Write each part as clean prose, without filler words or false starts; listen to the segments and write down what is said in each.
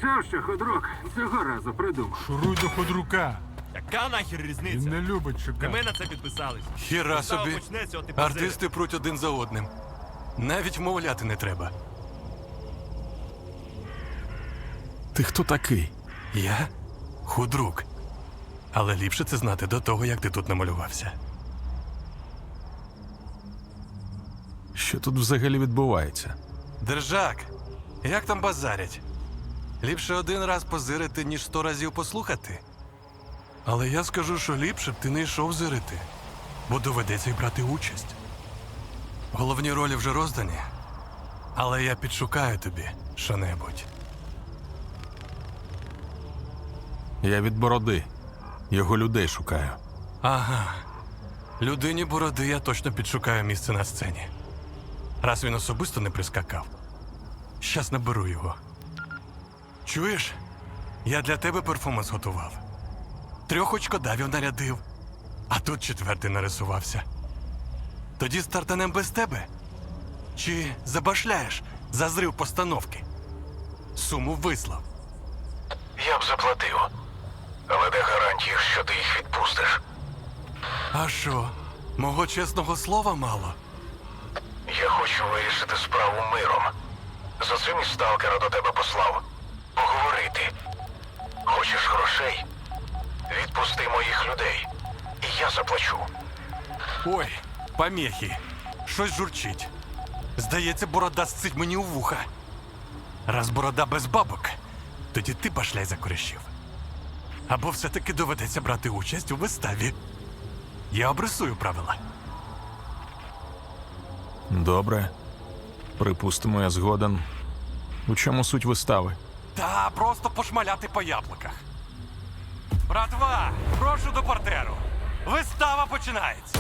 Чув, що худрук цього разу придумав. Шуруй до ходрука. Яка нахер Він різниця? не любить Не чекати. ми на це підписались. Хіра Вистава собі. почнеться, от і позири. Артисти пруть один за одним. Навіть вмовляти не треба. Ти хто такий? Я худрук. Але ліпше це знати до того, як ти тут намалювався. Що тут взагалі відбувається? Держак, як там базарять? Ліпше один раз позирити, ніж 100 разів послухати. Але я скажу, що ліпше б ти не йшов зирити, бо доведеться й брати участь. Головні ролі вже роздані, але я підшукаю тобі що-небудь. Я від бороди. Його людей шукаю. Ага. Людині бороди я точно підшукаю місце на сцені. Раз він особисто не прискакав. Щас наберу його. Чуєш? Я для тебе перформанс готував. 3 очкодавів нарядив, а тут 4-й нарисувався. Тоді стартанем без тебе? Чи забашляєш за зрив постановки? Суму вислав. Я б заплатив. Але де гарантії, що ти їх відпустиш? А що, мого чесного слова мало? Я хочу вирішити справу миром. За цим і сталкера до тебе послав. Поговорити. Хочеш грошей? Відпусти моїх людей. І я заплачу. Ой, помехи. Щось журчить. Здається, борода сцить мені у вуха. Раз борода без бабок, тоді ти башляй за корішів. Або все-таки доведеться брати участь у виставі. Я обрисую правила. Добре. Припустимо, я згоден. У чому суть вистави? Та просто пошмаляти по яблуках. Братва, прошу до портеру. Вистава починається.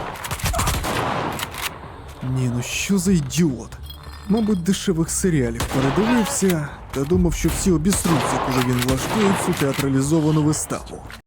Ні, ну що за ідіот? Мабуть, дешевих серіалів передивився та думав, що всі обісруться, коли він влаштує цю театралізовану виставу.